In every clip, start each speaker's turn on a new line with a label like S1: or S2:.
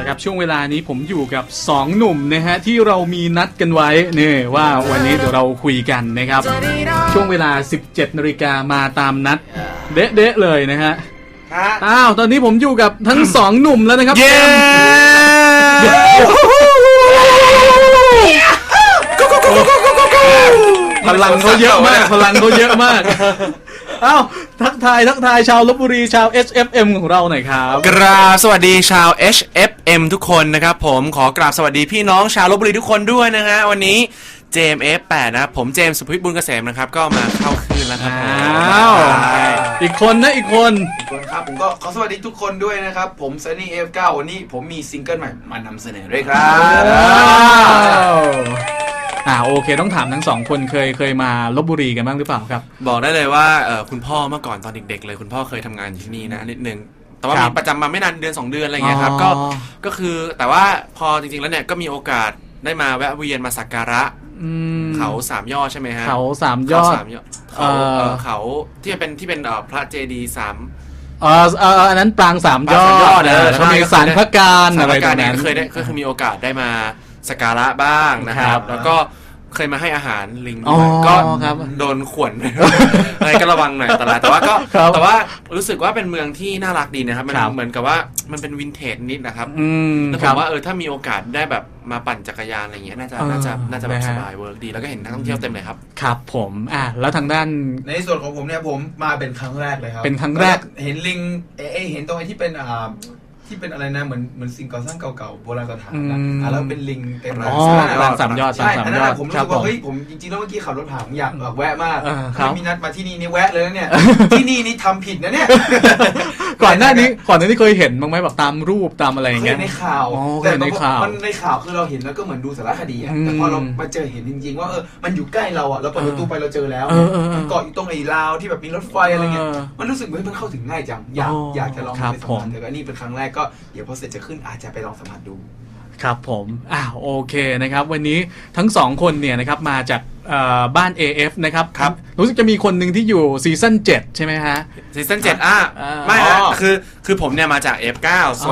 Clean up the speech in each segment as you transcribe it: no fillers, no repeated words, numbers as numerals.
S1: ครับช่วงเวลานี้ผมอยู่กับ2หนุ่มนะฮะที่เรามีนัดกันไว้นี่ว่าวันนี้เดี๋ยวเราคุยกันนะครับช่วงเวลา 17 นาฬิกามาตามนัดเด๊ะๆเลยนะฮะอ้าวตอนนี้ผมอยู่กับทั้ง2หนุ่มแล้วนะครับพลังเขาเยอะมากอ้าวทักทายชาวลพบุรีชาว HFM ของเราหน่อยครับ
S2: กราบสวัสดีชาว HFM ทุกคนนะครับผมขอกราบสวัสดีพี่น้องชาวลพบุรีทุกคนด้วยนะฮะวันนี้เจมส์ F8 นะครับผมเจมส์สุพิษบุญเกษมนะครับก็มาเข้าคืนแล้วครับ
S1: อ้าวอีกคน
S3: ครับผมก็ขอสวัสดีทุกคนด้วยนะครับผมซันนี่ F9 วันนี้ผมมีซิงเกิลใหม่มานำเสนอด้วยครับ
S1: โอเคต้องถามทั้ง2คนเคยมาลพบุรีกันบ้างหรือเปล่าครับ
S2: บอกได้เลยว่าคุณพ่อเมื่อก่อนตอนเด็กๆเลยคุณพ่อเคยทำงานอยู่ที่นี่นะนิดนึงแต่ว่ามีประจำมาไม่นานเดือน2เดือนอะไรเงี้ยครับก็คือแต่ว่าพอจริงๆแล้วเนี่ยก็มีโอกาสได้มาแวะเวียนมาสักการะเขา3 ยอดใช่ไหมฮะ
S1: เขา3 ยอด
S2: เขาที่เป็นพระเจดีย์3
S1: อันนั้นปราง3 ยอดเขามีสารพระการอะไรแบบนั้น
S2: เคยมีโอกาสได้มาสักการะบ้างนะครับแล้วก็เคยมาให้อาหารลิงก็โดนข่วนอะไรก็ระวังหน่อยแต่ว่ารู้สึกว่าเป็นเมืองที่น่ารักดีนะครับมันเหมือนกับว่ามันเป็นวินเทจนิดนะครับแล้วผมว่าถ้ามีโอกาสได้แบบมาปั่นจักรยานอะไรเงี้ยน่าจะแบบสบายเวิร์กดีแล้วก็เห็นนักท่องเที่ยวเต็มเลยครับ
S1: ครับผมแล้วทางด้าน
S3: ในส่วนของผมเนี่ยผมมาเป็นครั้งแรกเลยครับ
S1: เป็นครั้งแรก
S3: เห็นลิงเห็นตรงไอ้ที่เป็นอะไรนะเหมือนสิ่งก่อสร้างเก่าๆโบราณสถานนะแล้วเป็นลิงเต็มเลย
S1: ปราง3 ยอด
S3: ใช่อันนั้นผมรู้สึกว่าเฮ้ยผมจริงๆแล้วเมื่อกี้ขับรถผ่านผมอยากแวะมากมีนัดมาที่นี่แวะเลยนะเนี่ยที่นี่ทำผิดนะเนี่ย
S1: ก่อนหน้านี้เคยเห็นบ้างไหมแบบตามรูปตามอะไรอย่างเงี้ย
S3: ในข่าวแต่ในข่าวคือเราเห็นแล้วก็เหมือนดูสารคดีอะแต่พอเรามาเจอเห็นจริงๆว่ามันอยู่ใกล้เราอะเราเปิดประตูไปเราเจอแล้วมันเกาะอยู่ตรงไอ้ราวที่แบบมีรถไฟอะไรเงี้ยมันรู้สึกว่ามันเข้าถึงง่ายจังอยากจะลองไปสัมผัสแต่ก็นี่เป็นครั้งแรกก็เดี๋ยวพอเสร็จขึ้นอาจจะไปลองสัมผัสดู
S1: ครับผมโอเคนะครับวันนี้ทั้ง2คนเนี่ยนะครับมาจากบ้าน AF นะครับรู้สึกจะมีคนหนึ่งที่อยู่ซีซั่น7ใช่ไหมฮะ
S2: ซีซั่น7ไม่ฮะคือผมเนี่ยมาจาก F9 ส่วน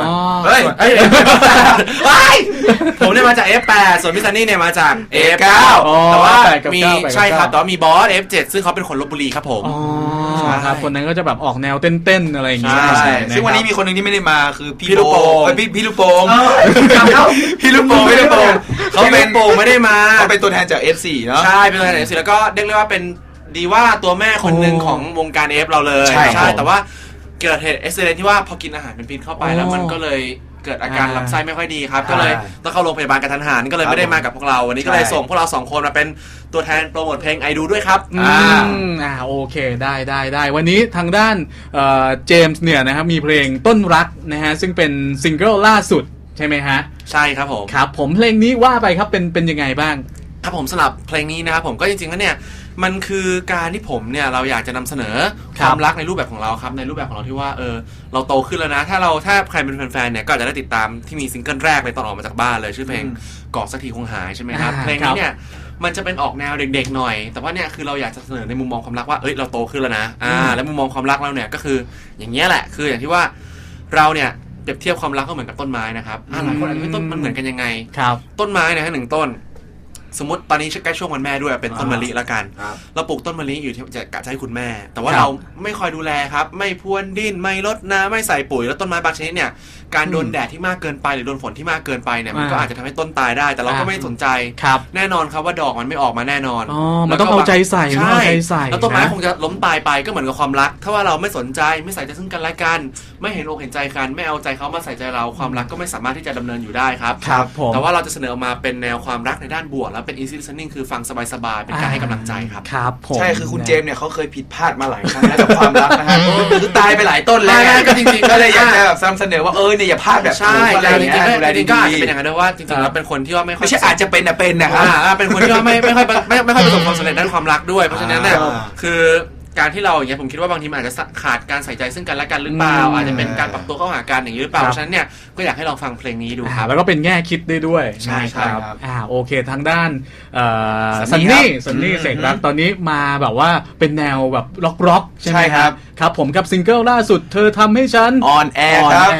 S2: ผมเนี่ยมาจาก F8 ส่วนพี่ซันนี่เนี่ยมาจาก F9 แต่ว่ามีใช่ครับแต่ว่ามีบอส F7 ซึ่งเขาเป็นคนลพบุรีครับผม
S1: ครับคนนั้นก็จะแบบออกแนวเต้นๆอะไรอย่างเงี้ย
S3: ซึ่งวันนี้มีคนหนึ่งที่ไม่ได้มาคือพี่ลูกโป่งพี่ลูกโป่ง
S2: เขาเป็นโป่งไม่ได้มา
S3: เขาเป็นตัวแทนจาก F4 เนาะ
S2: ใช่เป็นตัวแทนจาก F4 แล้วก็เรียกว่าเป็นดีว่าตัวแม่คนหนึ่งของวงการ F เราเลยใช่แต่ว่าเกิดเหตุอุบิเหตุที่ว่าพอกินอาหารเป็นพิษเข้าไปแล้วมันก็เลยเกิดอาการลำไส้ไม่ค่อยดีครับก็เลยต้องเข้าโรงพยาบาลกระทันหันก็เลยไม่ได้มากับพวกเราวันนี้ก็เลยส่งพวกเรา2คนมาเป็นตัวแทนโปรโมทเพลงไอดูด้วยครับ
S1: โอเคได้วันนี้ทางด้านเจมส์เนี่ยนะครับมีเพลงต้นรักนะฮะซึ่งเป็นซิงเกิลล่าสุดใช่ไหมฮะ
S2: ใช่ครับผม
S1: ครับผมเพลงนี้ว่าไปครับเป็นยังไงบ้าง
S2: ครับผมสำหรับเพลงนี้นะครับผมก็จริงๆแล้วเนี่ยมันคือการที่ผมเนี่ยเราอยากจะนำเสนอความรักในรูปแบบของเราครับในรูปแบบของเราที่ว่าเราโตขึ้นแล้วนะถ้าใครเป็นแฟนๆเนี่ยก็อาจจะได้ติดตามที่มีซิงเกิลแรกเลยตอนออกมาจากบ้านเลยชื่อเพลงกอดสักทีคงหายใช่ไหมครับเพลงนี้เนี่ยมันจะเป็นออกแนวเด็กๆหน่อยแต่ว่าเนี่ยคือเราอยากจะเสนอในมุมมองความรักว่าเราโตขึ้นแล้วนะแล้วมุมมองความรักเราเนี่ยก็คืออย่างเงี้ยแหละคืออย่างที่ว่าเราเนี่ยเปรียบเทียบความรักก็เหมือนกับต้นไม้นะครับหลายคนอาจจะไม่ต้นมันเหมือนกันยังไงต้นไม้นะฮะ1 ต้นสมมติตอนนี้ใกล้ช่วงวันแม่ด้วยเป็นต้นมะลิละกันเราปลูกต้นมะลิอยู่ที่จะกะจะให้คุณแม่แต่ว่าเราไม่คอยดูแลครับไม่พรวนดินไม่รดน้ำไม่ใส่ปุ๋ยแล้วต้นไม้บางชนิดเนี่ยการโดนแดดที่มากเกินไปหรือโดนฝนที่มากเกินไปเนี่ยมันก็อาจจะทำให้ต้นตายได้แต่เราก็ไม่สนใจแน่นอนครับว่าดอกมันไม่ออกมาแน่นอน
S1: มันต้องเอาใจใส่
S2: แล้วต้นไม้คงจะล้มตายไปก็เหมือนกับความรักถ้าว่าเราไม่สนใจไม่ใส่ใจซึ่งกันและกันไม่เห็นอกเห็นใจกันไม่เอาใจเขามาใส่ใจเราความรักก็ไม่สามารถที่จะดำเนินอยู่ได้ครับแต่ว่าเราจะเสนอมาเป็นแนวความรักในด้านบวกแล้วเป็น easy listening คือฟังสบายๆเป็นการให้กำลังใจครับ
S3: ใช่คือคุณเจมส์เนี่ยเขาเคยผิดพลาดมาหลายครั้งแล้วกับความรักนะฮะคือตายไปหลายต้นแล้วก็จริงๆก็เลยอยากจะนำเสนอว่าเนี่ยอย่าพลาดแบบ
S2: ใช่จริงๆก็อาจจะเป็นอย่างนั้นด้วยว่าจริงๆแล้วเป็นคนที่ว่าไม่
S3: ใช่อาจจะเป็นนะครับ
S2: เป็นคนที่ว่าไม่ค่อยประสบความสำเร็จด้านความรักด้วยเพราะฉะนั้นเนี่ยคือการที่เราอย่างเงี้ยผมคิดว่าบางทีมันอาจจะขาดการใส่ใจซึ่งกันและกันหรือเปล่าอาจจะเป็นการปรับตัวเข้าหากันอย่างนี้หรือเปล่าเพราะฉะนั้นเนี่ยก็อยากให้ลองฟังเพลงนี้ดูครับ
S1: แล้วก็เป็นแง่คิดได้ด้วย
S2: ใช่ครับ
S1: โอเคทางด้านซันนี่เสกรักตอนนี้มาแบบว่าเป็นแนวแบบร็อกใช่ไหมครับผมกับซิงเกิลล่าสุดเธอทำให้ฉัน
S3: ออนแอร์ครับ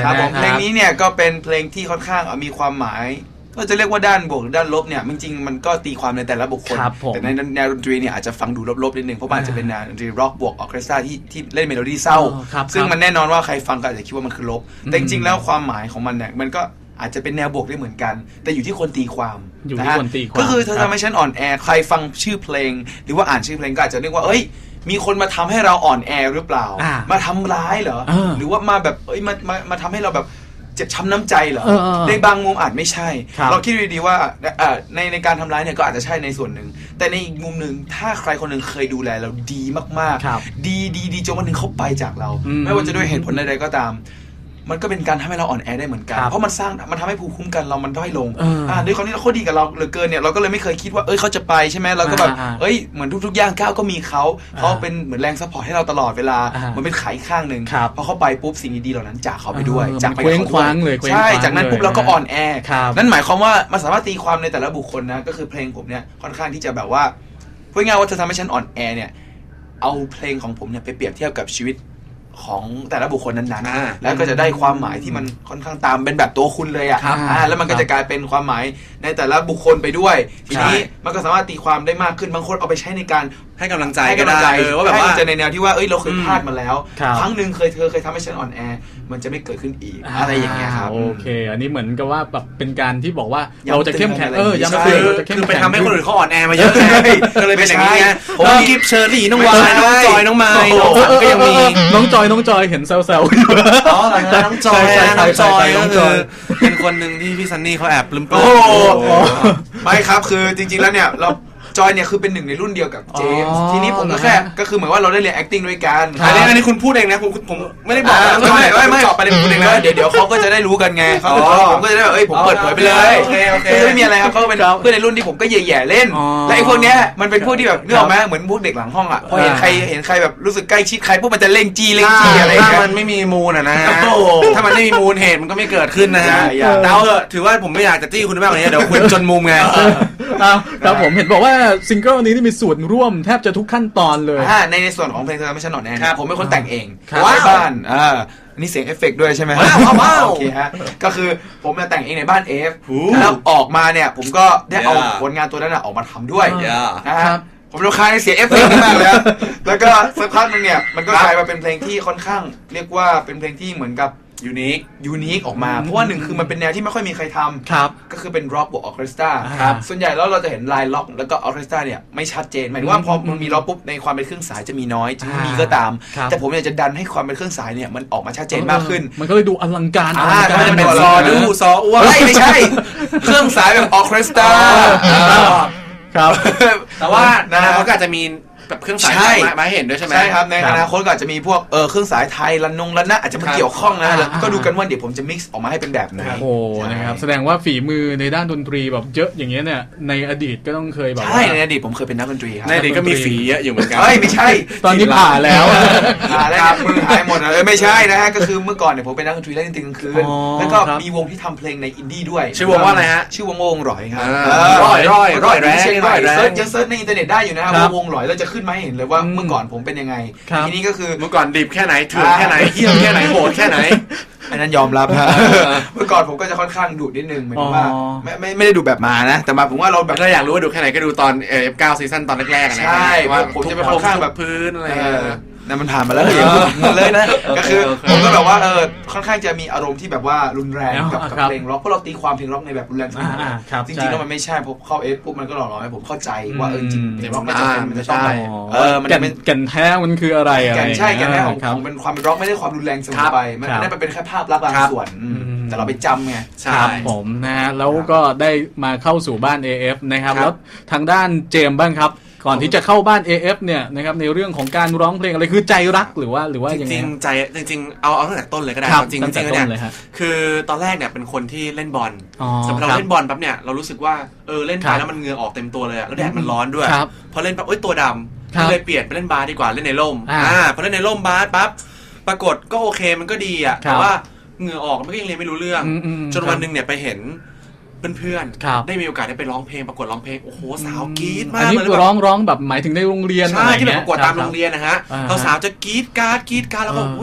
S3: ครับผมเพลงนี้เนี่ยก็เป็นเพลงที่ค่อนข้างมีความหมายก็จะเรียกว่าด้านบวกหรือด้านลบเนี่ยจริงๆมันก็ตีความในแต่ละบุคคลแต่ในแนวดนตรีเนี่ยอาจจะฟังดูลบๆนิดนึงเพราะมันจะเป็นแนวดนตรีร็อกบวกออร์เคสตราที่เล่นเมโลดี้เศร้าซึ่งมันแน่นอนว่าใครฟังก็อาจจะคิดว่ามันคือลบแต่จริงๆแล้วความหมายของมันเนี่ยมันก็อาจจะเป็นแนวบวกได้เหมือนกันแต่อยู่ที่คนตีความนะฮะก็คือเธอทำให้ฉันอ่อนแอใครฟังชื่อเพลงหรือว่าอ่านชื่อเพลงก็อาจจะนึกว่าเอ้ยมีคนมาทำให้เราอ่อนแอหรือเปล่ามาทำร้ายเหรอหรือว่ามาแบบเอ้ยมาทำให้เราแบบเจ็บช้ำน้ำใจเหรอในบางมุมอาจไม่ใช่เราคิดดีๆว่าในการทำร้ายเนี่ยก็อาจจะใช่ในส่วนหนึ่งแต่ในอีกมุมหนึ่งถ้าใครคนหนึ่งเคยดูแลเราดีมากๆดีจนวันหนึ่งเขาไปจากเราไม่ว่าจะด้วยเหตุผลใดๆก็ตามมันก็เป็นการทำให้เราอ่อนแอได้เหมือนกันเพราะมันทำให้ภูมิคุ้มกันเรามันด้อยลงด้วยความที่เขาดีกับเราเหลือเกินเนี่ยเราก็เลยไม่เคยคิดว่าเขาจะไปใช่ไหมเราก็แบบเหมือนทุกๆย่างก้าวก็มีเขาเป็นเหมือนแรงซัพพอร์ตให้เราตลอดเวลามันเป็นขาอีกข้างหนึ่งพอเขาไปปุ๊บสิ่งดีๆเหล่านั้นจากเขาไปด้วยจากไปกับเขาด้วยใช่จากนั้นปุ๊บเราก็อ่อนแอนั่นหมายความว่ามันสามารถตีความในแต่ละบุคคลนะก็คือเพลงผมเนี่ยค่อนข้างที่จะแบบว่าพูดง่ายว่าเธอทำให้ฉันอ่อนแอเนี่ยเอาเพลงของผมเนี่ยไปเปรียบเทียบกับชีวิตของแต่ละบุคคลนั้นๆแล้วก็จะได้ความหมายที่มันค่อนข้างตามเป็นแบบตัวคุณเลยแล้วมันก็จะกลายเป็นความหมายในแต่ละบุคคลไปด้วยทีนี้มันก็สามารถตีความได้มากขึ้นบางคนเอาไปใช้ในการให้กำลังใจก็ได้ว่าแบบว่าจะในแนวที่ว่าเราเคยพลาดมาแล้วครั้งหนึ่งเธอเคยทำให้ฉันอ่อนแอมันจะไม่เกิดขึ้นอีกอะไรอย่างเงี้ยครับ
S1: โอเคอันนี้เหมือนกับว่าแบบเป็นการที่บอกว่าเราจะเข้มแข็งย้ำเตือนเราจะเข้มแข็ง
S2: คือไปทำให้คนอื่นเขาอ่อนแอมาเยอะก็เลยเป็นอย่างนี้ไงผมกิฟเชอร์รี่น้องวายน้องจอยน้องไมค์ก็ยังมี
S1: น้องจอยเห็นแซวๆอยู่
S2: อ๋อน้องจอยเป็นคนหนึ่งที่พี่ซันนี่เขาแอบปลื้ม
S3: ไม่ครับคือจริงๆแล้วเนี่ยเราจอยเนี่ยคือเป็นหนึ่งในรุ่นเดียวกับเจมส์ทีนี้ผมก็แค่ก็คือเหมือนว่าเราได้เรียน acting ด้วยกัน
S2: อันนี้คุณพูดเองนะผมไม่ได้บอกไม่จบไปเลยพูดเองนะ
S3: เดี๋ยวเขาก็จะได้รู้กันไงผมก็จะได้ผมเปิดเผยไปเลยคือไม่มีอะไรครับเขาเป็นเพื่อนในรุ่นที่ผมก็แย่ๆเล่นและไอ้พวกเนี้ยมันเป็นพวกที่แบบนึกออกไหมเหมือนพวกเด็กหลังห้องอ่ะพอเห็นใครแบบรู้สึกใกล้ชิดใครพวกมันจะเล่งจี้อะไร
S2: ถ้ามันไม่มีมูลนะฮะถ้ามันไม่มีมูลเหตุมันก็ไม่เกิดขึ้นนะฮะเดาเถอะถือว่าผมไม่อยากจะจี้คุณมากกว่านี้เดี๋ยวคุณจนมุมไง
S1: ครับผมเห็นบอกว่าซิงเกิลนี้มีส่วนร่วมแทบจะทุกขั้นตอนเลย
S3: ในส่วนของเพลงเธอไม่ใช่หนอนแน่ผมเป็นคนแต่งเองในบ้านนี่เสียงเอฟเฟกต์ด้วยใช่ไหม
S2: ว้าว
S3: โอเคฮะก็คือผมแต่งเองในบ้านเอฟแล้วออกมาเนี่ยผมก็ได้เอาผลงานตัวนั้นออกมาทำด้วยนะครับผมรำคาญเสียงเอฟเฟกต์มากเลยแล้วก็สักพักนึงเนี่ยมันก็กลายมาเป็นเพลงที่ค่อนข้างเรียกว่าเป็นเพลงที่เหมือนกับยูนิคออกมาเพราะว่าหนึ่งคือมันเป็นแนวที่ไม่ค่อยมีใครทำก็คือเป็นร็อกบวกออร์เคสตราส่วนใหญ่แล้วเราจะเห็นลายล็อกแล้วก็ออร์เคสตราเนี่ยไม่ชัดเจนหมายถึงว่าพอมันมีล็อกปุ๊บในความเป็นเครื่องสายจะมีน้อยถึงมีก็ตามแต่ผมเนี่ยจะดันให้ความเป็นเครื่องสายเนี่ยมันออกมาชัดเจนมากขึ้น
S1: มันก็เลยดูอลังการ
S3: มันเป็นซออ้วนไม่ใช่เครื่องสายแบบออร์เคสตรา
S1: ครับ
S2: แต่ว่าเขาก็อาจจะมีแบบเครื่องสายมาเห็นด้วยใช่ไหม
S3: ใช่ครับในอนาคตก็อาจจะมีพวกเครื่องสายไทยระนะอาจจะมาเกี่ยวข้องนะแล้วก็ดูกันว่าเดี๋ยวผมจะ mix ออกมาให้เป็นแบบไหน
S1: โอ้นะครับแสดงว่าฝีมือในด้านดนตรีแบบเยอะอย่างเงี้ยเนี่ยในอดีตก็ต้องเคยแบบ
S3: ใช่ในอดีตผมเคยเป็นนักดนตรีครับ
S2: ในอดีตก็มีฝีเยอะอยู่เหมือนกัน
S3: ไม่ใช่
S1: ตอนนี้ผ่าแล้ว
S3: มือหายหมดไม่ใช่นะฮะก็คือเมื่อก่อนเนี่ยผมเป็นนักดนตรีเล่นดนตรีกลางคืนแล้วก็มีวงที่ทำเพลงในอินดี้ด้วย
S2: ชื่อวงว่าอะไรฮะ
S3: ชื่อวงหลอยครับ
S2: ร้อยแรง
S3: เซิร์ชในอินเทอร์เน็ตได้อยู่นะครับวงหลอยแล้วจะขึ้นมาเห็นเลยว่าเมื่อก่อนผมเป็นยังไงทีนี้ก็คือ
S2: เมื่อก่อนดิบแค่ไหนเถื่อนแค่ไหนเหี้ยมแค่ไหนโหดแค่ไหน
S3: อันนั้นยอมรับเมื่อก่อนผมก็จะค่อนข้างดุนิดนึงเหมือนว่าไม่ได้ดุแบบมานะแต่มาผมว่าเราแบบ
S2: ถ้าอยากรู้ว่าดุแค่ไหนก็ดูตอนF9 ซีซั่นตอนแรกๆนะ
S3: ใช่ว่าผมจะเป็นค่อนข้างแบบ
S2: พื้นอะไร
S3: นั่นมันผ่านมาแล้วเลยนะก็คือผมก็แบบว่าค่อนข้างจะมีอารมณ์ที่แบบว่ารุนแรงกับเพลงร็อกเพราะเราตีความเพลงร็อกในแบบรุนแรงจริงๆแล้วมันไม่ใช่พอเข้าปุ๊บมันก็หล่อๆให้ผมเข้าใจว่าจริงเพลงร็อกไม่จำเป็นมันจะต้อง
S1: มันกันแท้มันคืออะไร
S3: ใช่กันแท้ของเป็นความเป็นร็อกไม่ได้ความรุนแรงเสมอไปมันไม่ได้เป็นแค่ภาพลักษณ์บางส่วนแต่เราไปจำไง
S1: ครับผมนะฮะแล้วก็ได้มาเข้าสู่บ้าน AF นะครับแล้วทางด้านเจมส์บ้างครับก่อนที่จะเข้าบ้าน AF เนี่ยนะครับในเรื่องของการร้องเพลงอะไรคือใจรักหรือว่า
S2: จริงๆใจจริงๆเอาตั้งแต่ต้นเลยก็ได้จริงๆเนี่ยคือตอนแรกเนี่ยเป็นคนที่เล่นบอลสำหรับเราเล่นบอลปั๊บเนี่ยเรารู้สึกว่าเล่นไปแล้วมันเหงื่อออกเต็มตัวเลยแล้วแดดมันร้อนด้วยพอเล่นปั๊บตัวดำก็เลยเปลี่ยนไปเล่นบาสดีกว่าเล่นในร่มพอเล่นในร่มบาสปั๊บปรากฏก็โอเคมันก็ดีอ่ะแต่ว่าเหงื่อออกมันก็ยังเรียนไม่รู้เรื่องจนวันนึงเนี่ยไปเห็นเพื่อนๆได้มีโอกาสได้ไปร้องเพลงประกวดร้องเพลงโอ้โหสาวกรี๊ดมากเลยอัน
S1: นี้ร้องแบบหมายถึงในโรงเรียน
S2: ใช่ที่แบบประกวดตามโรงเรียนนะฮะสาวจะกรี๊ดการ์ดแล้วก็อุ้ย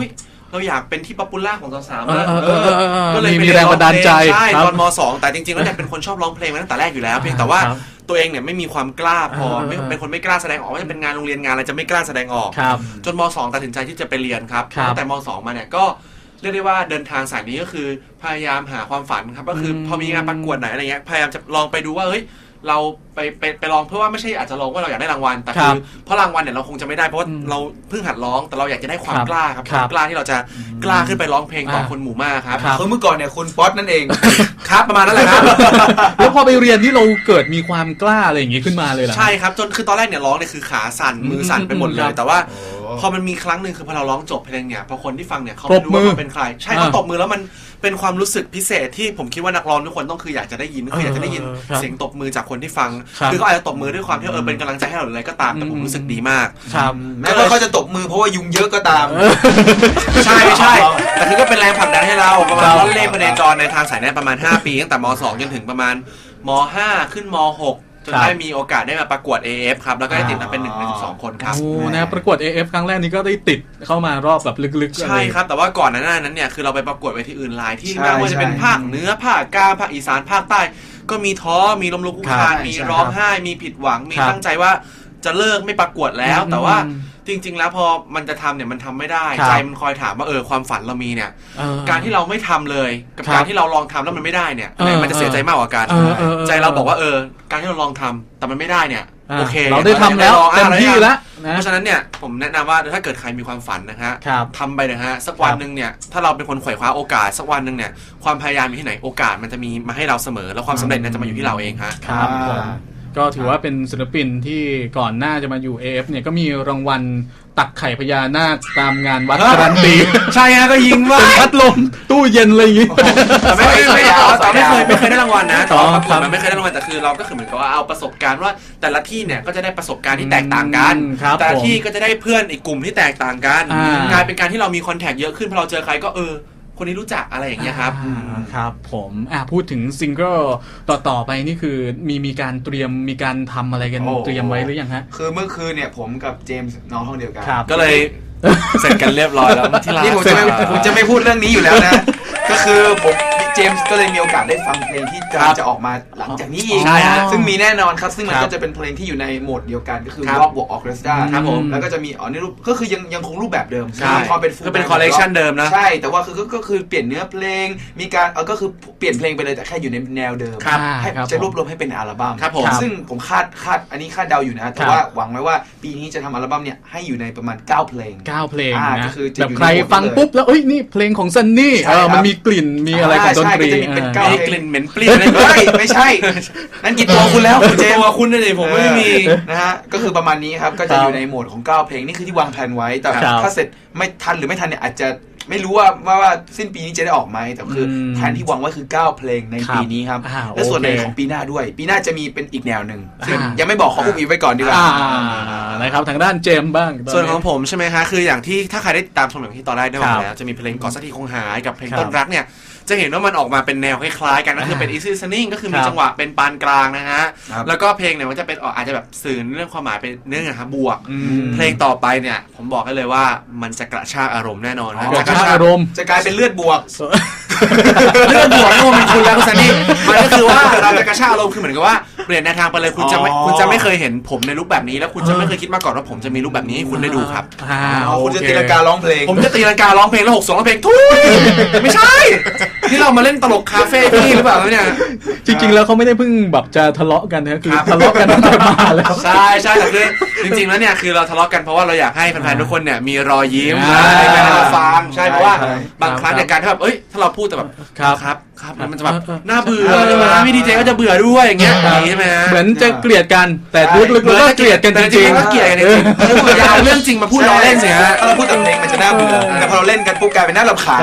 S2: เราอยากเป็นที่ป๊อปปูล่าของสาวๆ
S1: ก็
S2: ก็
S1: เล
S2: เลย ย
S1: มีแรงบันดาลใจ
S2: ใช่ตอนม.2 แต่จริงๆแล้วเนี่ยเป็นคนชอบร้องเพลงมาตั้งแต่แรกอยู่แล้วเพียงแต่ว่าตัวเองเนี่ยไม่มีความกล้าพอเป็นคนไม่กล้าแสดงออกว่าจะเป็นงานโรงเรียนงานอะไรจะไม่กล้าแสดงออกจนม.2 ตัดสินใจที่จะไปเรียนครับตั้งแต่ม.2 มาเนี่ยก็เรียกได้ว่าเดินทางสายนี้ก็คือพยายามหาความฝันครับก็คือพอมีงานประกวดไหนอะไรเงี้ยพยายามจะลองไปดูว่าเฮ้ยเราไปลองเพื่อว่าไม่ใช่อาจจะลองว่าเราอยากได้รางวัลแต่คือเพราะรางวัลเนี่ยเราคงจะไม่ได้เพราะว่าเราเพิ่งหัดร้องแต่เราอยากจะได้ความกล้าครับความกล้าที่เราจะกล้าขึ้นไปร้องเพลงต่อคนหมู่มากครับ
S3: คือเมื่อก่อนเนี่ยคุณป๊อตนั่นเอง
S2: ครับประมาณนั้นแหละครับ
S1: แล้วพอไปเรียนที่เราเกิดมีความกล้าอะไรอย่างงี้ขึ้นมาเลยเหรอ
S2: ใช่ครับจนคือตอนแรกเนี่ยร้องเนี่ยคือขาสั่นมือสั่นไปหมดเลยแต่ว่าพอมันมีครั้งหนึ่งคือพอเราร้องจบเพลงเนี่ยพอคนที่ฟังเนี่ยเขาไม่รู้ว่าเราเป็นใครใช่เขาตบมือแล้วมันเป็นความรู้สึกพิเศษที่ผมคิดว่านักร้องทุกคนต้องคืออยากจะได้ยินคืออยากจะได้ยินเสียงตบมือจากคนที่ฟังคือเขาอาจจะตบมือด้วยความที่เป็นกำลังใจให้เราอะไรก็ตามแต่ผมรู้สึกดีมาก
S3: แม้ว่าเขาจะตบมือเพราะว่ายุงเยอะก็ตาม
S2: ใช่ไม่ใช่แต่คือก็เป็นแรงผลักดันให้เราประมาณร้อนเล่พเนจรในทางสายนี้ประมาณ5ปีตั้งแต่ม.2 จนถึงประมาณม.5 ขึ้นม.6จนได้มีโอกาสได้มาประกวด AF ครับแล้วก็ได้ติดมาเป็น1ใน12คนครับ
S1: โอ้นะประกวด AF ครั้งแรกนี้ก็ได้ติดเข้ามารอบแบบลึกๆ
S2: ใช่ครับแต่ว่าก่อนหน้านั้นเนี่ยคือเราไปประกวดเวทีอื่นหลายที่ไม่ว่าจะเป็นภาคเหนือภาคกลางภาคอีสานภาคใต้ก็มีท้อมีล้มลุกคลุกคลานมีร้องไห้มีผิดหวังมีตั้งใจว่าจะเลิกไม่ประกวดแล้วแต่ว่าจริงๆแล้วพอมันจะทำเนี่ยมันทำไม่ได้ใจมันคอยถามว่าความฝันเรามีเนี่ยการที่เราไม่ทำเลยกับการที่เราลองทำแล้วมันไม่ได้เนี่ยมันจะเสียใจมากกว่ากันใจเราบอกว่าการที่เราลองทำแต่มันไม่ได้เนี่ยโอเค
S1: เราได้ทำแล้วเต็มที่แล้ว
S2: เพราะฉะนั้นเนี่ยผมแนะนำว่าถ้าเกิดใครมีความฝันนะฮะทำไปนะฮะสักวันหนึ่งเนี่ยถ้าเราเป็นคนไขว่คว้าโอกาสสักวันหนึ่งเนี่ยความพยายามอยู่ที่ไหนโอกาสมันจะมีมาให้เราเสมอแล้วความสำเร็จเนี่ยจะมาอยู่ที่เราเองฮะ
S1: ครับก็ถือว่าเป็นศิลปินที่ก่อนหน้าจะมาอยู่ AF เนี่ยก็มีรางวัลตักไข่พญานาคตามงานวัดการันตี
S2: ใช่ฮะก็ยิงว่า
S1: พัดลมตู้เย็นอะไรอย่างงี้
S2: แต่ไม่เคยได้รางวัลนะตอนประกวดมันไม่เคยได้รางวัลแต่คือเราก็คือเหมือนกับว่าเอาประสบการณ์ว่าแต่ละที่เนี่ยก็จะได้ประสบการณ์ที่แตกต่างกันแต่ละที่ก็จะได้เพื่อนอีกกลุ่มที่แตกต่างกันกลายเป็นการที่เรามีคอนแทคเยอะขึ้นพอเราเจอใครก็คนนี้รู้จักอะไรอย่างเงี้ยครับ
S1: ครับผมพูดถึงซิงเกิลต่อไปนี่คือมีการเตรียมมีการทำอะไรกันเตรียมไว้หรือยังฮะ
S3: คือเมื่อคืนเนี่ยผมกับเจมส์น้องห้องเดียวกัน
S2: ก็เลยเสร็จกันเรียบร้อยแล้วที่ร้าน
S3: นี่ผมจะไม่พูดเรื่องนี้อยู่แล้วนะก็คือผมเจมส์ก็เลยมีโอกาสได้ฟังเพลงที่จะออกมาหลังจากนี้อีกซึ่งมีแน่นอนครับซึ่งมันก็จะเป็นเพลงที่อยู่ในโหมดเดียวกันก็คือร็อกบวกออร์เคสตราครับผมแล้วก็จะมีในรูปก็คือยังคงรูปแบบเดิม
S2: พอเป็นฟูลเป็นคอลเลคชันเดิมนะ
S3: ใช่แต่ว่าก็คือเปลี่ยนเนื้อเพลงมีการก็คือเปลี่ยนเพลงไปเลยแต่แค่อยู่ในแนวเดิมให้จะรวบรวมให้เป็นอัลบั้มซึ่งผมคาดอันนี้คาดเดาอยู่นะแต่ว่าหวังไว้ว่าปีนี้จะทำอัลบั้มเนี่ยให้อยู่ในประมาณ9เพลง
S1: 9เพลงนะแบบใครฟังปุ๊บแล้วนี่เพลงของซันนี่มันมีกลิ่นมีอะไรของดนตรี
S2: มีกลิ่นเหม็นเปรี้ยว
S3: ไม่ใช่นั่นกินตัวคุณแล้วคุณเจม
S2: ตัวคุณเลยผมไม่มี
S3: นะฮะก็คือประมาณนี้ครับก็จะอยู่ในโหมดของ9เพลงนี่คือที่วางแผนไว้แต่ถ้าเสร็จไม่ทันหรือไม่ทันเนี่ยอาจจะไม่รู้ว่าสิ้นปีนี้จะได้ออกไหมแต่คือแผนที่วางไว้คือ9เพลงในปีนี้ครับและส่วนในของปีหน้าด้วยปีหน้าจะมีเป็นอีกแนวหนึ่งซึ่งยังไม่บอกขออุบอิบไว้ก่อนดีกว่า
S1: นะครับทางด้านเจมบ้าง
S2: ส่วนของผมใช่ไหมคะคืออย่างที่ถ้าใครได้ตามชมอย่างที่ตอนแรกได้บอกแล้วจะมีเพลงก่อนสักทีคงหายกับเพลงต้นรักเนี่ยจะเห็นว่ามันออกมาเป็นแนวคล้ายๆกันก็คือเป็น easy listening ก็คือมีจังหวะเป็นปานกลางนะฮะแล้วก็เพลงเนี่ยมันจะเป็นอาจจะแบบสื่อเรื่องความหมายเป็นเรื่องบวกเพลงต่อไปเนี่ยผมบอกให้เลยว่ามันจะกระชากอารมณ์แน่นอนนะ
S1: กระชากอารมณ์
S3: จะกลายเป็นเลือดบวก
S2: เลือดบวกนี่มันคุณแล้วคุณซันนี่มันก็คือว่าเราจะกระชากอารมณ์คือเหมือนกับว่าเปลี่ยนแนวทางไปเลยคุณจะไม่เคยเห็นผมในรูปแบบนี้แล้วคุณจะไม่เคยคิดมาก่อนว่าผมจะมีรูปแบบนี้ให้คุณได้ดูครับ
S3: คุณจะตีลังการ้องเพลง
S2: ผมจะตีลังการ้องเพลงแล้ว6 2ร้องเพลงทุยไม่ใช่ที่เรามาเล่นตลกคาเฟ่ที่หรือเปล่าเนี่ย
S1: จริงๆแล้วเขาไม่ได้เพิ่งแบบจะทะเลาะกันนะคือทะเลาะกันตั้งแต่มาแล้ว
S2: ใช่แต่คือจริงๆแล้วเนี่ยคือเราทะเลาะกันเพราะว่าเราอยากให้แฟนๆทุกคนเนี่ยมีรอยยิ้มในการเราฟังใช่เพราะว่าบางครั้งในการที่แบบถ้าเราพูดแต่แบบครับมันจะแบบน่าเบื่อใช่ไหมพี่ดีเจก็จะเบื่อด้วยอย่างเงี้ยใช่ไหม
S1: เหมือนจะเกลียดกันแต่ลึกๆก็เกลียดกันจริง
S2: ๆก็เกลียดกันจริงๆอย่าเอาเรื่องจริงมาพูดล้อเล่นสิฮะ
S3: เราพูดแต่เพลงมันจะน่าเบื่อแต่พอเราเล่นกันปุ๊บกลายเป็นน่ารำคาญ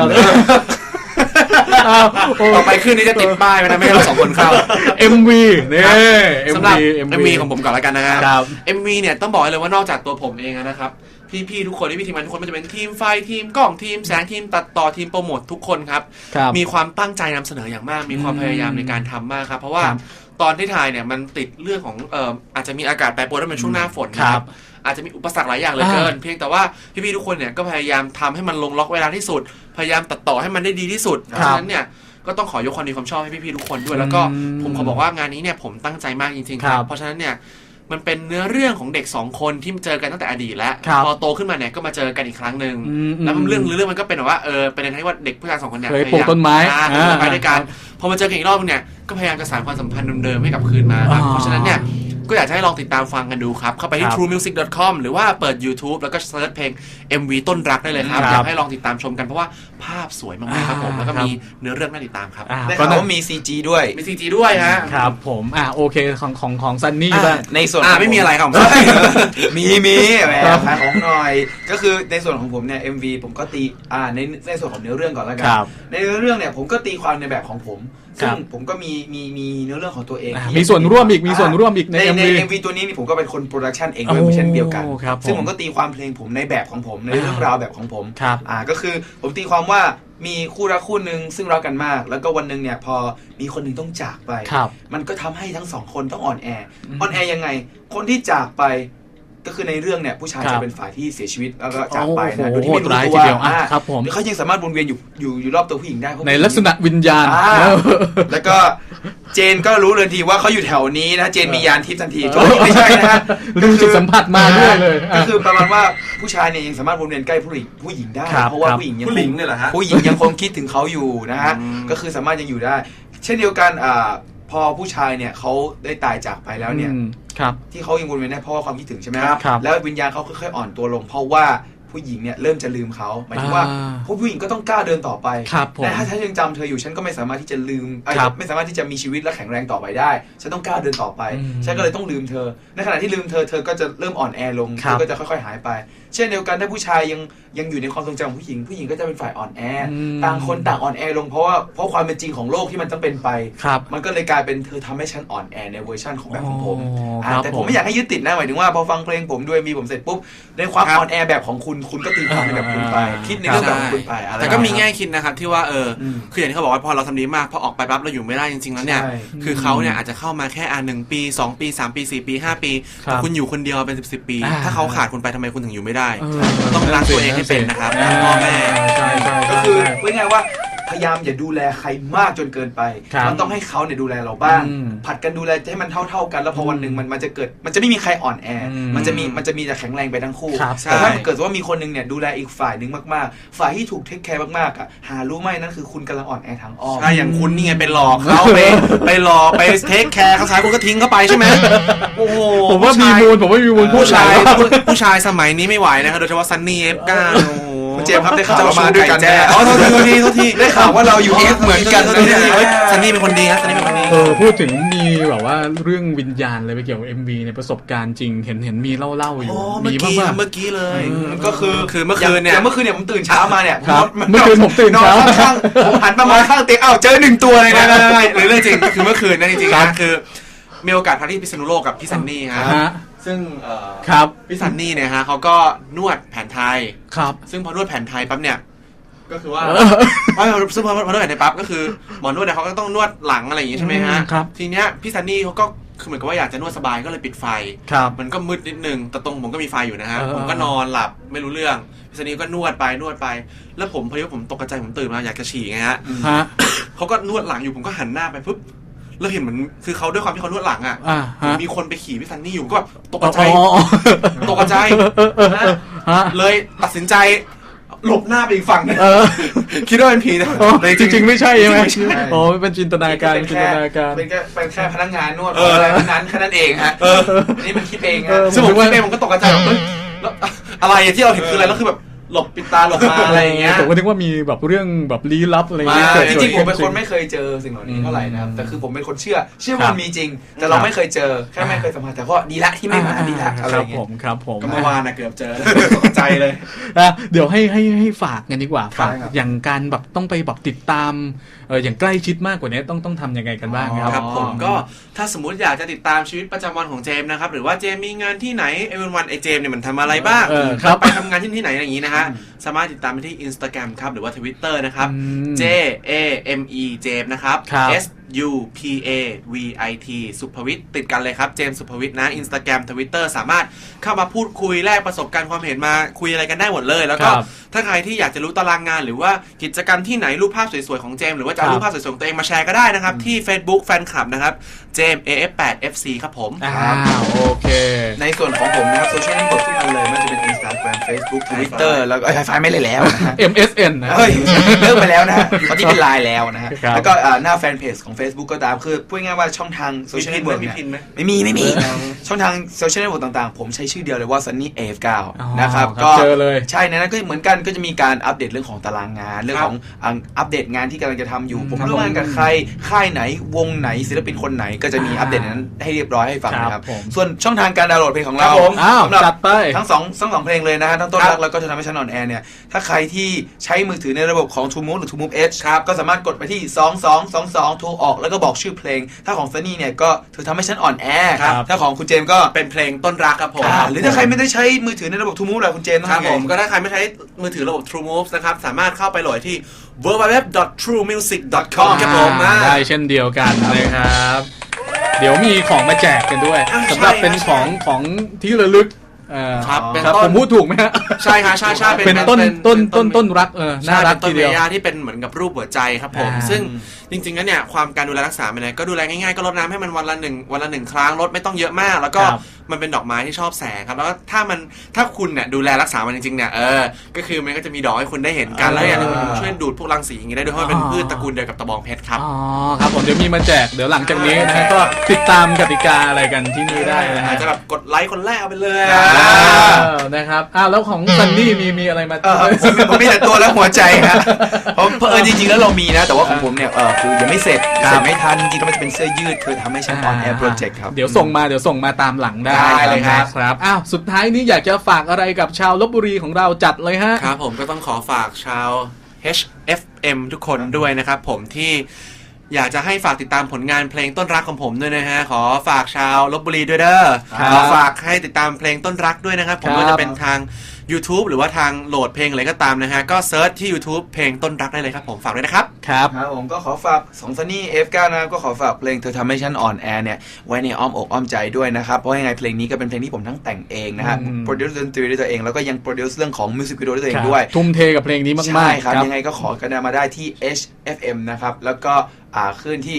S2: ต่อไปขึ้นนี้จะติดป้ายไว้นะไม่ให้เรา2คนเข้า
S1: MV นี่
S2: สำหรับ MV ของผมก่อนแล้วกันนะครับ MV เนี่ยต้องบอกเลยว่านอกจากตัวผมเองนะครับพี่ๆทุกคนที่พี่ทีมงานทุกคนมันจะเป็นทีมไฟทีมกล้องทีมแสงทีมตัดต่อทีมโปรโมททุกคนครับมีความตั้งใจนำเสนออย่างมากมีความพยายามในการทำมากครับเพราะว่าตอนที่ถ่ายเนี่ยมันติดเรื่องของอาจจะมีอากาศแปรปรวนแล้วเป็นช่วงหน้าฝนครับอาจจะมีอุปสรรคหลายอย่างเหลือเกินเพียงแต่ว่าพี่ๆทุกคนเนี่ยก็พยายามทำให้มันลงล็อกเวลาที่สุดพยายามตัดต่อให้มันได้ดีที่สุดเพราะฉะนั้นเนี่ยก็ต้องขอยกความดีความชอบให้พี่ๆทุกคนด้วยแล้วก็ผมขอบอกว่างานนี้เนี่ยผมตั้งใจมากจริงๆครับเพราะฉะนั้นเนี่ยมันเป็นเนื้อเรื่องของเด็ก2คนที่เจอกันตั้งแต่อดีตแล้วพอโตขึ้นมาเนี่ยก็มาเจอกันอีกครั้งนึงแล้วเรื่องมันก็เป็นแบบว่าเป็นในที่ว่าเด็กผู้ชาย2คนเนี่ย
S1: เคยปลูกต้นไม้
S2: ไปด้วยกันพอมาเจอกันอีกรอบนึงเนี่ยก็พยายามจะสานความสัมพันธ์เดิมๆให้กลับคืนมาครับเพราะฉะนั้นเนี่ยก็อยากจะให้ลองติดตามฟังกันดูครับเข้าไปที่ truemusic.com หรือว่าเปิด YouTube แล้วก็เซิร์ชเพลง MV ต้นรักได้เลยครับอยากให้ลองติดตามชมกันเพราะว่าภาพสวยมากๆครับผมแล้วก็มีเนื้อเรื่องน่าติดตามครับ
S3: ได้ข่าวว่ามี CG ด้วย
S2: มี CG ด้วยฮะ
S1: ครับผมโอเคของซันนี่บ้าง
S3: ในส่วน
S2: ไม่มีอะไรครับ
S3: มีแหมขายของหน่อยก็คือในส่วนของผมเนี่ย MV ผมก็ตีในส่วนของเนื้อเรื่องก่อนแล้วกันในเนื้อเรื่องเนี่ยผมก็ตีความในแบบของผมซึ่งผมก็มีเนื้อเรื่องของตัวเอง
S1: มีส่วนร่วมอีกใน
S3: MV ตัวนี้ผมก็เป็นคนโปรดักชันเองด้วยเช่นเดียวกันซึ่งผมก็ตีความเพลงผมในแบบของผมในเรื่องราวแบบของผมก็คือผมตีความว่ามีคู่รักคู่หนึ่งซึ่งรักกันมากแล้วก็วันนึงเนี่ยพอมีคนหนึ่งต้องจากไปมันก็ทำให้ทั้งสองคนต้องอ่อนแอยังไงคนที่จากไปก็คือในเรื่องเนี่ยผู้ชายจะเป็นฝ่ายที่เสียชีวิตแล้วก็จากไปนะโดยที่ไม่รู้ตัวเขายังสามารถวนเวียนอยู่รอบตัวผู้หญิงได้
S1: ในลักษณะวิญญาณ
S3: แล้วก็เจนก็รู้เลยทีว่าเขาอยู่แถวนี้นะเจนมียานทิพย์ทันทีไม่ใช่นะฮะ
S1: ลืมจิตสัมผัสมาด้วยเลย
S3: ก็คือประมาณว่าผู้ชายเนี่ยยังสามารถวนเวียนใกล้ผู้หญิงได้เพราะว่าผู้หญิง
S2: เนี่ยแหละฮะ
S3: ผู้หญิงยังคงคิดถึงเขาอยู่นะฮะก็คือสามารถยังอยู่ได้เช่นเดียวกันพอผู้ชายเนี่ยเขาได้ตายจากไปแล้วเนี่ยที่เขายังวนเวียนได้เพราะว่าความคิดถึงใช่ไหมครับแล้ววิญญาณเขาค่อยๆอ่อนตัวลงเพราะว่าผู้หญิงเนี่ยเริ่มจะลืมเขาหมายถึงว่าผู้หญิงก็ต้องกล้าเดินต่อไปแต่ถ้าฉันยังจำเธออยู่ฉันก็ไม่สามารถที่จะลืมไม่สามารถที่จะมีชีวิตและแข็งแรงต่อไปได้ฉันต้องกล้าเดินต่อไปฉันก็เลยต้องลืมเธอในขณะที่ลืมเธอก็จะเริ่มอ่อนแอลงเธอก็จะค่อยๆหายไปเช่นเดียวกันถ้าผู้ชายยังอยู่ในความทรงจำของผู้หญิงก็จะเป็นฝ่ายอ่อนแอต่างคนต่างอ่อนแอลงเพราะความเป็นจริงของโลกที่มันต้องเป็นไปมันก็เลยกลายเป็นเธอทำให้ฉันอ่อนแอในเวอร์ชันของแบบของผมแต่ผมไม่อยากให้ยึดติดนะหมายถึงว่าพอฟังเพลงผมด้วยมีผมเสร็จปุ๊บในความอ่อนแอแบบของคุณก็ตีความในแบบคุณไปคิดในเรื่องแบบของคุณไป
S2: แต่ก็มีแง่คิดนะครับที่ว่าคืออย่างที่เขาบอกว่าพอเราทำดีมากพอออกไปปั๊บเราอยู่ไม่ได้จริงๆแล้วเนี่ยคือเขาเนี่ยอาจจะเข้ามาแค่1 ปี2 ปี3 ปี4 ปี5 ปีแต่คุณอยู่คนเดียวเป็น10 ปีถ้าเขาขาดคุณไปทำไมคุณถึงอยู่ไม่ได้ต้องรักตัวเองให้เป็นนะครับพ่อแม่
S3: ก็คือพูดง่ายว่าพยายามอย่าดูแลใครมากจนเกินไปมันต้องให้เขาเนี่ยดูแลเราบ้างผัดกันดูแลให้มันเท่ากันแล้วพอวันหนึ่งมันจะไม่มีใครอ่อนแอมันจะมีแต่แข็งแรงไปทั้งคู่แต่ถ้าเกิดว่ามีคนนึงเนี่ยดูแลอีกฝ่ายนึงมากๆฝ่ายที่ถูกเทคแคร์มากๆหารู้ไหมนั่นคือคุณกำลังอ่อนแอทางอ้อม
S2: ใช่อย่างคุณนี่ไงไปหลอกเขาไปหลอกไปเทคแคร์เขาใช้คุณก็ทิ้งเขาไปใช่ไหมโอ้โห
S1: ผมว่ามีมูล
S2: ผู้ชายสมัยนี้ไม่ไหวนะครับโดยเฉพาะซันนี่F9
S3: เจมส์ครับได้ข่าว
S2: มาด้วยกันโทษที
S3: ได้ข่าวว่าเราอยู่เอฟเหมือนกัน
S2: ซันนี่เป็นคนดีครับซันนี่เป็นคนดี
S1: พูดถึงมีแบบว่าเรื่องวิญญาณอะไรไปเกี่ยวกับ MV ในประสบการณ์จริงเห็นมีเล่าอยู่
S2: มีบ้างเมื่อกี้เลย
S3: ก็คือเมื่อคืนเนี่ยผมตื่นเช้ามาเนี่ย
S1: เมื่อคืนผมตื่นเช้า
S3: ผมหันมามองข้างเตียงเจอ1 ตัวเลยนะ
S2: หรือเรื่องจริงคือเมื่อคืนนั่นจริงๆคือมีโอกาสพักที่พิษณุโลกกับพี่ซันนี่ฮะซึ่งพี่ซันนี่เนี่ยฮะเขาก็นวดแผนไทยซึ่งพอนวดแผนไทยปั๊บเนี่ยก็คือว่าซึ่งพอนวดแผนไทยปั๊บก็คือหมอนวดเนี่ยเขาก็ต้องนวดหลังอะไรอย่างงี้ใช่ไหมฮะทีเนี้ยพี่ซันนี่เขาก็คือเหมือนกับว่าอยากจะนวดสบายก็เลยปิดไฟมันก็มืดนิดนึงแต่ตรงผมก็มีไฟอยู่นะฮะผมก็นอนหลับไม่รู้เรื่องพี่ซันนี่ก็นวดไปแล้วผมพอดีว่าผมตกใจผมตื่นมาอยากจะฉี่ไงฮะเขาก็นวดหลังอยู่ผมก็หันหน้าไปปุ๊บแล้วเห็นเหมือนคือเขาด้วยความที่เขานวดหลังมีคนไปขี่พี่ซันนี่อยู่ก็แบบตกใจเลยตัดสินใจหลบหน้าไปอีกฝั่งคิดว่าเป็นผีนะ
S1: จริงๆไม่ใช่ใช่ไหมเป็นจินตนาการ
S3: เป็นแค่พนักงานนวดอะไรนั้นแค่นั้นเองฮะนี่มันคิดเองฮะ
S2: ซึ่งผมคิดเองผมก็ตกใจแล้วอะไรที่เราเห็นคืออะไรแล้วคือแบบหลบปิดตาหลบมาอะไรอย่างเงี้ย
S1: ผมก็นึกว่ามีแบบเรื่องแบบลี้ลับอะไรเงี้ย
S3: จริงๆผมเป็นคนไม่เคยเจอสิ่งเหล่านี้เท่าไหร่นะครับแต่คือผมเป็นคนเชื่อว่ามีจริงแต่เราไม่เคยเจอแค่ไม่เคยสัมผัสแต่ก็ดีละที่ไม่มาดีละอะไรเงี้ย
S1: ครับผม
S2: ก็เมื่อวานนะเกือบเจอตกใจเลย
S1: เดี๋ยวให้ฝากกันดีกว่าฝากอย่างการแบบต้องไปแบบติดตามอย่างใกล้ชิดมากกว่านี้ต้องทำยังไงกันบ้าง
S2: ครับผมก็ถ้าสมมุติอยากจะติดตามชีวิตประจำวันของเจมส์นะครับหรือว่าเจมส์มีงานที่ไหนวันไอเจมส์เนี่ยมันทำอะไรบ้างไปทำงานที่ไหนอย่างนี้นะฮะสามารถติดตามไปที่ Instagram ครับหรือว่า Twitter นะครับ JAME เจมส์นะครับ SUPAVIT สุภวิทย์ติดกันเลยครับเจมส์สุภวิทย์นะ Instagram Twitter สามารถเข้ามาพูดคุยแลกประสบการณ์ความเห็นมาคุยอะไรกันได้หมดเลยแล้วก็ถ้าใครที่อยากจะรู้ตารางงานหรือว่ากิจกรรมที่ไหนรูปภาพสวยๆของเจมส์หรือว่าจะเอารูปภาพสวยๆของตัวเองมาแชร์ก็ได้นะครับที่ Facebook แฟนคลับนะครับเจมส์ AF8FC ครับผม
S1: โอเค
S3: ในส่วนของผมนะครับโซเชียลเน็ตเวิร์กทุกอันเลยไม่ว่าจะเป็น Instagram Facebook Twitter แล้วก็ไฮไฟไม่เลยแล้ว
S1: MSN นะ
S3: เฮ้ยเลิกไปแล้วนะตอนนี้เป็นไลน์แล้วนะฮะแล้วก็หน้าแฟนเพจของ Facebook ก็ตามคือพูดง่ายๆว่าช่องทางโซเชียลเน็ตเวิร์กไม่มีช่องทางโซเชียลเน็ตเวิร์กต่างๆผมใช้ชื่อเดียวเลยว่า Sunny AF9 นะครับก็
S1: เจอเลย
S3: ใช่ในนั้นก็เหมือนกันก็จะมีการอัปเดตเรื่องของตารางงานเรื่องของอัปเดตงานที่กำลังจะทำอยู่ผมร่วมงานกับใครค่ายไหนวงไหนศิลปินคนไหนก็จะมีอัปเดตนั้นให้เรียบร้อยให้ฟังนะครับส่วนช่องทางการดาวน์โหลดเพลงของเรา
S1: สำหรับ
S3: ทั้งสองเพลงเลยนะฮะทั้งต้นรักแล้วก็เธอทำให้ฉันอ่อนแอเนี่ยถ้าใครที่ใช้มือถือในระบบของ True Move หรือ True Move Edge ครับก็สามารถกดไปที่2222โทรออกแล้วก็บอกชื่อเพลงถ้าของซันนี่เนี่ยก็เธอทำให้ฉันอ่อนแอถ้าของคุณเจมส์ก็
S2: เป็นเพลงต้นรักครับผม
S3: หรือถ้าใครไม่ได้ใช้มือถือในระบบ True Move ล่ะคุณเจมส์
S2: ครับผมก็ถ้าใครไม่ใช้มือถือระบบ True Move นะครับสามารถเข้าไปโหลดที่ www.truemusic.com ครับผม
S1: ได้เช่นเดียวกันนะครับเดี๋ยวมีของมาแจกกันด้วยสำหรับเป็นของที่ระลึก
S2: ครับ
S1: ผมพูดถูกไหมฮะ
S2: ใช่ค่ะใช่
S1: เป็นต้นรักน่ารักทีเดียว
S2: ที่เป็นเหมือนกับรูปหัวใจครับผมซึ่งจริงๆแล้วเนี่ยความการดูแลรักษาเนี่ยก็ดูแลง่ายๆก็รดน้ำให้มันวันละหนึ่งครั้งรดไม่ต้องเยอะมากแล้วก็มันเป็นดอกไม้ที่ชอบแสงครับแล้วก็ถ้าคุณเนี่ยดูแลรักษามันจริงๆเนี่ยก็คือมันก็จะมีดอกให้คุณได้เห็นกันแล้วอย่างนึงมันช่วยดูดพวกรังสีอย่างนี้ได้ด้วยเพราะมันเป็นพืชตระกูลเดียวกับตะบองเพชรครับ
S1: ครับผมเดี๋ยวมีมาแจกเดี๋ยวหลังจากนี้นะก็ติดตามกติกาอะไรกันที่นี่ได้นะฮะ
S2: จะแบบกดไลค์คนแรกเอาไปเลย
S1: นะครับแล้วของซันนี่มีอะไรมา
S3: ผมมีแต่ตัวและหัวใจฮะเพราะจริงๆแล้วเรามีนะแต่ว่าของผมเนี่ยคือยังไม่เสร็จไม่ทันจริงๆมันจะเป็นเสื้อยืดคือทำให้ฉันออนแอร์โปรเจกต์ครับ
S1: เดี๋ยวส่งมาตามหลังได้
S3: เลย
S1: ครับสุดท้ายนี้อยากจะฝากอะไรกับชาวลพบุรีของเราจัดเลยฮะ
S2: ครับผมก็ต้องขอฝากชาว HFM ทุกคนด้วยนะครับผมที่อยากจะให้ฝากติดตามผลงานเพลงต้นรักของผมด้วยนะฮะขอฝากชาวลพบุรีด้วยเด้อขอฝากให้ติดตามเพลงต้นรักด้วยนะครับผมก็จะเป็นทาง YouTube หรือว่าทางโหลดเพลงอะไรก็ตามนะฮะก็เซิร์ชที่ YouTube เพลงต้นรักได้เลยครับผมฝากด้วยนะครับ
S1: ครับ
S3: ผมก็ขอฝาก2 Sunny F9 นะก็ขอฝากเพลงเธอทำให้ฉันอ่อนแอเนี่ยไว้ในอ้อมอกอ้อมใจด้วยนะครับเพราะยังไงเพลงนี้ก็เป็นเพลงที่ผมทั้งแต่งเองนะฮะโปรดิวซ์ดนตรีด้วยตัวเองแล้วก็ยังโปรดิวซ์เรื่องของมิวสิกวิดีโอด้วยตัวเองด้วย
S1: ทุ่มเทกับเพลงนี้มากๆ
S3: ใช่ครับยังไงก็ขอกันมาได้ที่ HFM นะครับแล้วก็ขึ้นที่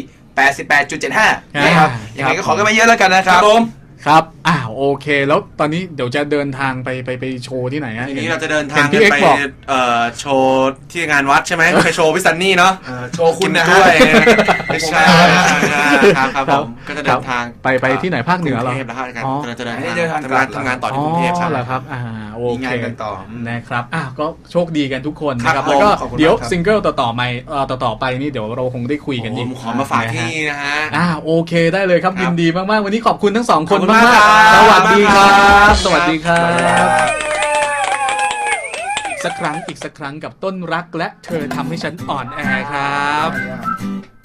S3: 88.75 นะครับยังไงก็ขอกันมาเยอะแล้วกันนะครับ
S1: ครับโอเคแล้วตอนนี้เดี๋ยวจะเดินทางไปโชว์ที่ไหนฮะ
S2: ทีนี้เราจะเดินทางไปโชว์ที่งานวัดใช่ไหมไปโชว์พี่ซันนี่เนาะ
S3: โชว์คุณ
S2: ด้วยไม่ใช่ครับผมก็จะเดินทาง
S1: ไปที่ไหนภาคเหนือเรา
S2: จะเดินทำงานต่อที่กรุงเทพใช่
S1: ไหมครับโอเค
S3: งานกันต่อ
S1: นะครับก็โชคดีกันทุกคนนะครับแล้วก็เดี๋ยวซิงเกิลต่อไปนี่เดี๋ยวเราคงได้คุยกันอีก
S2: ขอมาฝากที่นะฮะ
S1: โอเคได้เลยครับยินดีมากๆวันนี้ขอบคุณทั้ง2คนมากสวัสดีครับสวัสดีครับอีกสักครั้งกับต้นรักและเธอทำให้ฉันอ่อนแอครับ